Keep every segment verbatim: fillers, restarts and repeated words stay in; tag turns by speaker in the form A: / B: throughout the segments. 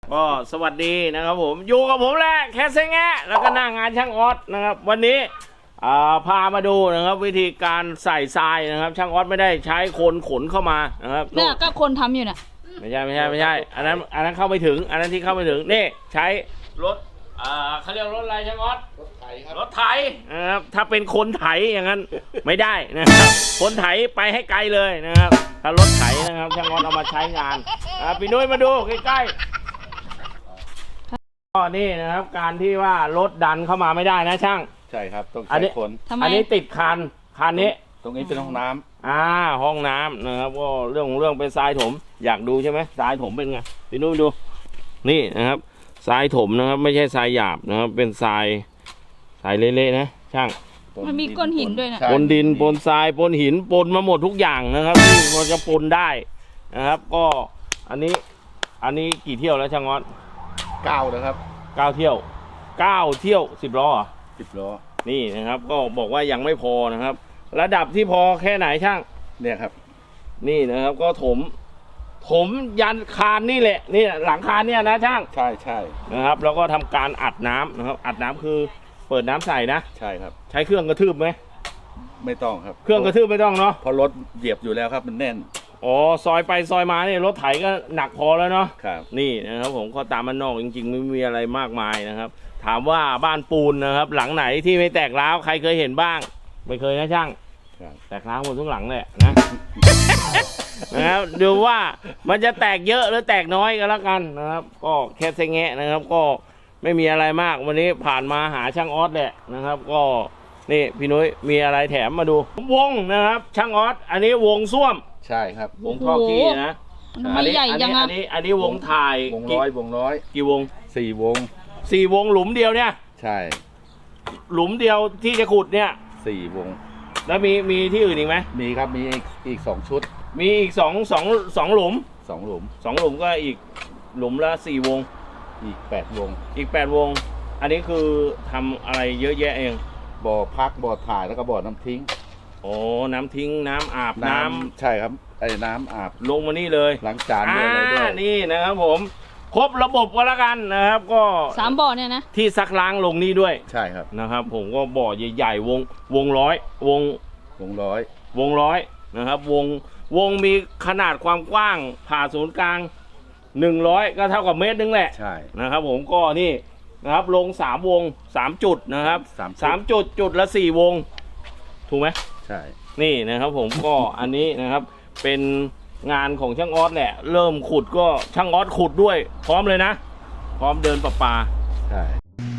A: ก็สวัสดีนะครับผมอยู่กับผมแหละแคสเซงแงะแล้วก็หน้างานช่างออสนะครับวันนี้พามาดูนะครับวิธีการใส่ทรายนะครับช่างออสไม่ได้ใช้คนขนเข้ามานะครับ
B: เนี่ยก็คนทำอยู่น่ะ
A: ไม่ใช่ไม่ใช่ไม่ใช่อันนั้นอันนั้นเข้าไม่ถึงอันนั้นที่เข้าไม่ถึงนี่ใช้รถเขาเรียกรถอะไรช่างออสรถไถครับรถไถนะครับถ้าเป็นคนไถอย่างนั้นไม่ได้นะครับคนไถไปให้ไกลเลยนะครับถ้ารถไถนะครับช่างออสเอามาใช้งานพี่นุ้ยมาดูใกล้ๆก็นี่นะครับการที่ว่ารถดันเข้ามาไม่ได้นะช่าง
C: ใช่ครับต้องใช้คน
A: อันนี้ติดคันคันนี้
C: ตรงนี้เป็นห้องน้ำ
A: อ่าห้องน้ำนะครับก็เรื่องเรื่องเป็นทรายถมอยากดูใช่ไหมทรายถมเป็นไงพี่นุ้ยดูนี่นะครับทรายถมนะครับไม่ใช่ทรายหยาบนะครับเป็นทรายทรายเละๆนะช่าง
B: มันมีก้อนหินด้วยนะ
A: ปนดินปนทรายปนหินปนมาหมดทุกอย่างนะครับที่มันจะปนได้นะครับก็อันนี้อันนี้กี่เที่ยวแล้วช่างออส
C: เก้านะครับ
A: เก้าเที่ยวเก้าเที่ยวสิบล้ออ่ะ
C: สิบล้อ
A: นี่นะครับก็บอกว่ายังไม่พอนะครับระดับที่พอแค่ไหนช่าง
C: เนี่ยครับ
A: นี่นะครับก็ถมถมยันคานนี่แหละนี่หลังคานเนี่ยนะช่าง
C: ใช่ใช่
A: นะครับแล้วก็ทำการอัดน้ำนะครับอัดน้ำคือเปิดน้ำใส่นะ
C: ใช่ครับ
A: ใช้เครื่องกระทืบไหม
C: ไม่ต้องครับ
A: เครื่องกระทืบไม่ต้องเนาะ
C: เพราะรถเหยียบอยู่แล้วครับมันแน่น
A: อ๋อซอยไปซอยมาเนี่ยรถไถก็หนักพอแล้วเนาะ
C: ครับ
A: นี่นะครับผมก็ตามมันนอกจริงๆไม่มีอะไรมากมายนะครับถามว่าบ้านปูนนะครับหลังไหนที่ไม่แตกร้าวใครเคยเห็นบ้างไม่เคยนะช่างแตกร้าวหมดทุกหลังเลยนะนะครับดูว่ามันจะแตกเยอะหรือแตกน้อยก็แล้วกันนะครับก็แค่เซงแงะนะครับก็ไม่มีอะไรมากวันนี้ผ่านมาหาช่างออสแหละนะครับก็นี่พี่นุ้ยมีอะไรแถมมาดูวงนะครับช่างออสอันนี้วงส้วม
C: ใช่ครับ
A: วงท่อกี้นะ
B: อันนี้ใหญ่ยัง
A: อันนี้อันนี้วงถ่ายว
C: งร้อยวงร้อย
A: กี่วง
C: สี่วง
A: สี่วงหลุมเดียวเนี่ย
C: ใช่
A: หลุมเดียวที่จะขุดเนี่ย
C: สี่วง
A: แล้วมีมีที่อื่นอีกไหม
C: มีครับมีอีกอีกสองชุด
A: มีอีกสองสองสองหลุม
C: สองหลุม
A: สองหลุมก็อีกหลุมละสี่วง
C: อีกแปดวง
A: อีกแปดวงอันนี้คือทำอะไรเยอะแยะเอง
C: บ่อพักบ่อถ่ายแล้วก็บ่อน้ำทิ้ง
A: โอ้น้ำทิ้งน้ำอาบน้ำ
C: ใช่ครับไอ้น้ำอาบ
A: ลงมานี่เลย
C: ล้างจานด้วยอะไรด้วย
A: นี่นะครับผมครบระบบก็แล้วกันนะครับก็
B: สามบ่อเนี่ยนะ
A: ที่ซักล้างลงนี่ด้วย
C: ใช่ครับ
A: นะครับผมก็บ่อใหญ่ๆวงวงร้อยวง
C: วงร้อ
A: ยวงร้อยนะครับวงวงมีขนาดความกว้างผ่าศูนย์กลางหนึ่งร้อยก็เท่ากับเมตรนึงแหละ
C: ใช่
A: นะครับผมก็นี่นะครับลงสามวงสามจุดนะครับสามจุดจุดละสี่วงถูกไหม
C: ใช่
A: นี่นะครับผมก็อันนี้นะครับเป็นงานของช่างออสแหละเริ่มขุดก็ช่างออสขุดด้วยพร้อมเลยนะพร้อมเดินประปา
C: ใช่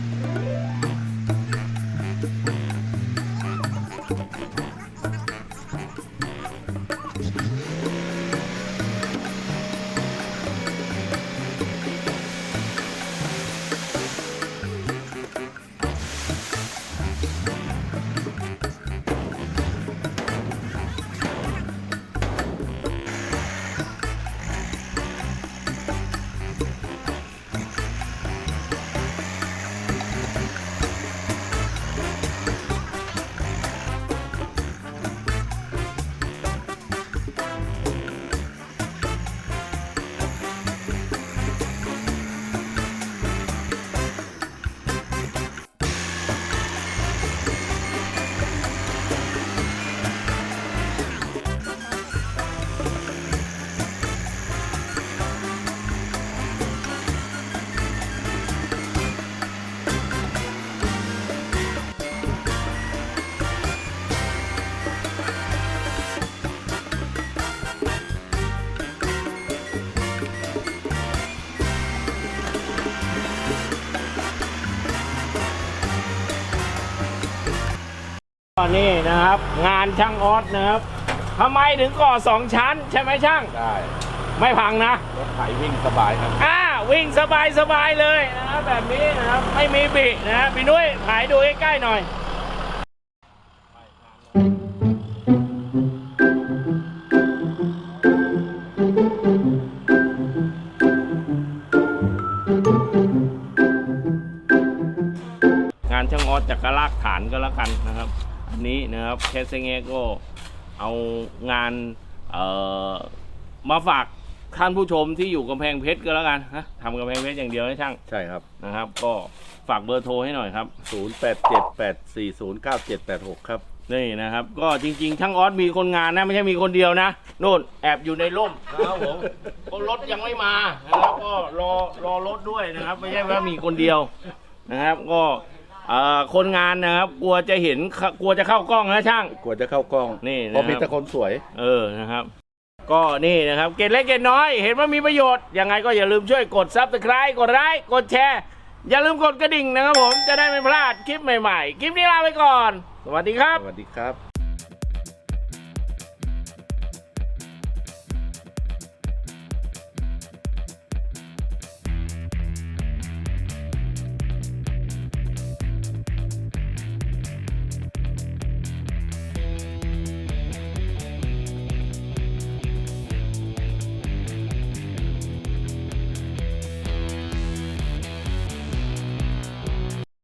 A: ตอนนี้นะครับงานช่างออสนะครับทำไมถึงก่อสองชั้นใช่ไหมช่าง
C: ใช่
A: ไม่พังนะ
C: รถไถวิ่งสบายครับ
A: อ่าวิ่งสบายสบายเลยนะครับแบบนี้นะครับไม่มีบินะพี่นุ้ยถ่ายดูใกล้ๆหน่อยงานช่างออสจากกระลากฐานก็แล้วกันนะครับอันนี้นะครับแคสเซงเงก็เอางานเอ่อมาฝากท่านผู้ชมที่อยู่กำแพงเพชรก็แล้วกันนะทำกำแพงเพชรอย่างเดียวนะช่าง
C: ใช่ครับ
A: นะครับ ก็ฝากเบอร์โทรให้หน่อยครับ
C: ศูนย์ แปด เจ็ด แปด สี่ ศูนย์ เก้า เจ็ด แปด หก ครับ
A: นี่นะครับ ก็จริงๆช่างออสมีคนงานนะไม่ใช่มีคนเดียวนะโน่นแอบอยู่ในร่มนะครับผมเพราะรถยังไม่มานะครับก็รอรอรถด้วยนะครับ ไม่ใช่ว่ามีคนเดียวนะครับ ก็เอ่อคนงานนะครับ กลัวจะเห็นกลัวจะเข้ากล้องนะช่าง
C: กว่าจะเข้ากล้อง
A: นี่นะครับ
C: เพราะมีแต่คนสวย
A: เออนะครับ ก็นี่นะครับเกร็ดเล็กเกร็ดน้อยเห็นว่ามีประโยชน์ยังไงก็อย่าลืมช่วยกด ซับสไครบ์ กดไลค์กดแชร์อย่าลืมกดกระดิ่งนะครับผมจะได้ไม่พลาดคลิปใหม่ๆคลิปนี้ลาไปก่อนสวัสดีครับ
C: สวัสดีครับ